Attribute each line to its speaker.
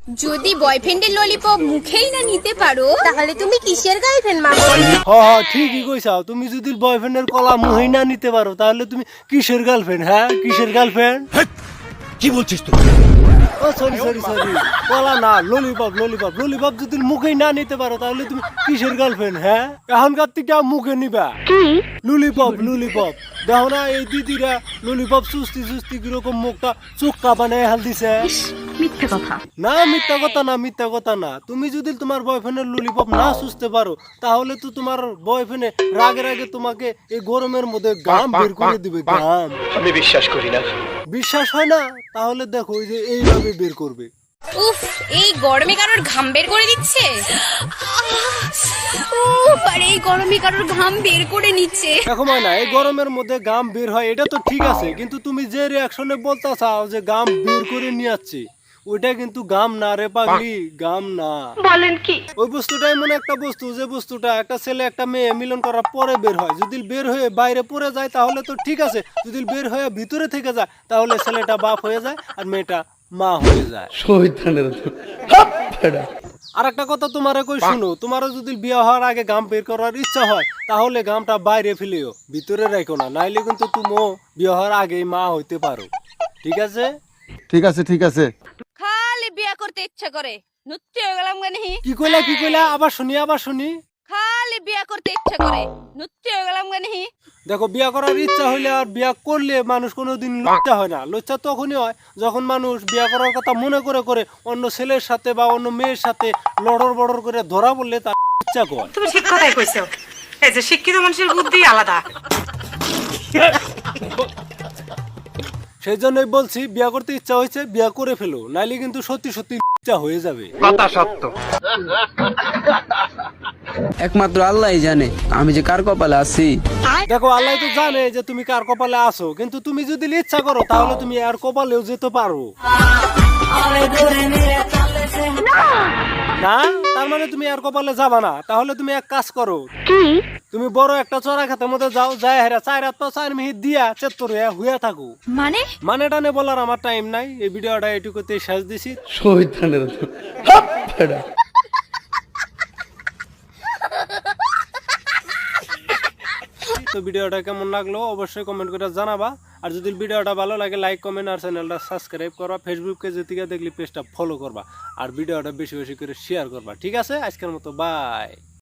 Speaker 1: যদি বয়ফ্রেন্ডের ললিপপ মুখেই না নিতে পারো তাহলে তুমি কিসের গার্লফ্রেন্ড মাগো?
Speaker 2: হ্যাঁ ঠিকই কইছাও। তুমি যদি বয়ফ্রেন্ডের কলা মুহেই না নিতে পারো তাহলে তুমি কিসের গার্লফ্রেন্ড? হ্যাঁ কিসের গার্লফ্রেন্ড?
Speaker 3: কি বলছিস তুই?
Speaker 2: ও সরি সরি সরি, কলা না, ললিপপ ললিপপ ললিপপ যদি মুখেই না নিতে পারো তাহলে তুমি কিসের গার্লফ্রেন্ড? হ্যাঁ এখনকার থেকে মুখে নিবা ললিপপ ললিপপ। দেখো না এই দিদিরা ললিপপ সুস্তি সুস্তি কিরকম মুখটা চোখটা বানায় হাল দিছে।
Speaker 4: মিথ্যে কথা।
Speaker 2: না মিথ্যা কথা না, মিথ্যা কথা না। তুমি যদি তোমার বয়ফ্রেন্ডের ললিপপ না সুস্তে পারো তাহলে তো তোমার বয়ফ্রেন্ড রাগে রাগে তোমাকে এই গরমের মধ্যে গাম বের করে দিবে। গাম
Speaker 3: আমি বিশ্বাস করি না।
Speaker 2: বিশ্বাস হয় না? তাহলে দেখো এই যে এইভাবে বের করবে।
Speaker 1: উফ, এই গরমে কারোর ঘাম বের করে দিচ্ছে। উফ, আর এই গরমে কারোর ঘাম বের করে নিচ্ছে।
Speaker 2: দেখো না এই গরমের মধ্যে গাম বের হয় এটা তো ঠিক আছে, কিন্তু তুমি যে রিয়াকশনে বলতে চাও যে গাম বের করে নিয়ে আসছে, ওইটা কিন্তু গাম না রে পাগলি, গাম না।
Speaker 4: বলেন কি?
Speaker 2: ওই বস্তুটা এমন একটা বস্তু যে বস্তুটা একটা ছেলে একটা মেয়ে মিলন করার পরে বের হয়। যদি বের হয়ে বাইরে পড়ে যায় তাহলে তো ঠিক আছে, যদি বের হয়ে ভিতরে থেকে যায় তাহলে ছেলেটা বাপ হয়ে যায় আর মেয়েটা মা হয়ে যায়। আর একটা কথা তোমারে কই শুনো, তোমারও যদি বিয়ে হওয়ার আগে গাম বের করার ইচ্ছা হয় তাহলে গামটা বাইরে ফেলিও, ভিতরে রাখো না, নাইলে কিন্তু তুমিও বিয়ে হওয়ার আগেই মা হইতে পারো। ঠিক আছে?
Speaker 5: ঠিক আছে ঠিক আছে।
Speaker 1: খালি বিয়া করতে ইচ্ছা করে, নুচ্চে হয়ে গেলাম গানি।
Speaker 2: কি কইলা কি কইলা? আবার শুনি আবার শুনি।
Speaker 1: খালি বিয়া করতে ইচ্ছা করে, নুচ্চে হয়ে গেলাম গানি।
Speaker 2: দেখো বিয়া করার ইচ্ছা হইলে আর বিয়া করলে মানুষ কোনোদিন লজ্জা হয় না। লজ্জা তখনই হয় যখন মানুষ বিয়া করার কথা মনে করে করে অন্য ছেলের সাথে বা অন্য মেয়ের সাথে লড়র বড়র করে ধরা বললে তার ইচ্ছা করে।
Speaker 4: তুমি ঠিক কথাই কইছো। এই যে শিক্ষিত মানুষের বুদ্ধি আলাদা।
Speaker 2: সেই জন্যই বলছি বিয়া করতে ইচ্ছা হয়েছে বিয়া করে ফেলো, নাইলে কিন্তু সত্যি সত্যি ইচ্ছা হয়ে যাবে।
Speaker 3: কথা সত্য।
Speaker 6: একমাত্র আল্লাহই জানে আমি যে কার কপালে আছি।
Speaker 2: দেখো আল্লাহ তো জানে যে তুমি কার কপালে আছো, কিন্তু তুমি যদি ইচ্ছা করো তাহলে তুমি আর কপালেও যেতে পারো না। তার মানে তুমি আর কপালে যাবা না। তাহলে তুমি এক কাজ করো, তুমি বড় একটা চড়া খাতের মধ্যে যাও, যাই হেরা 4 মিনিট দিয়া চেত্তর হইয়া থাকো। মানে টানে বলার আমার টাইম নাই। এই ভিডিওটা এটুকুতে শেষ দিছি। তো ভিডিওটা কেমন লাগলো অবশ্যই কমেন্ট করে জানাবা। আর যদি ভিডিওটা ভালো লাগে লাইক কমেন্ট আর চ্যানেলটা সাবস্ক্রাইব করবা। ফেসবুকে যেদিকে দেখলি পেজটা ফলো করবা আর ভিডিওটা বেশি বেশি করে শেয়ার করবা। ঠিক আছে, আজকের মতো বাই।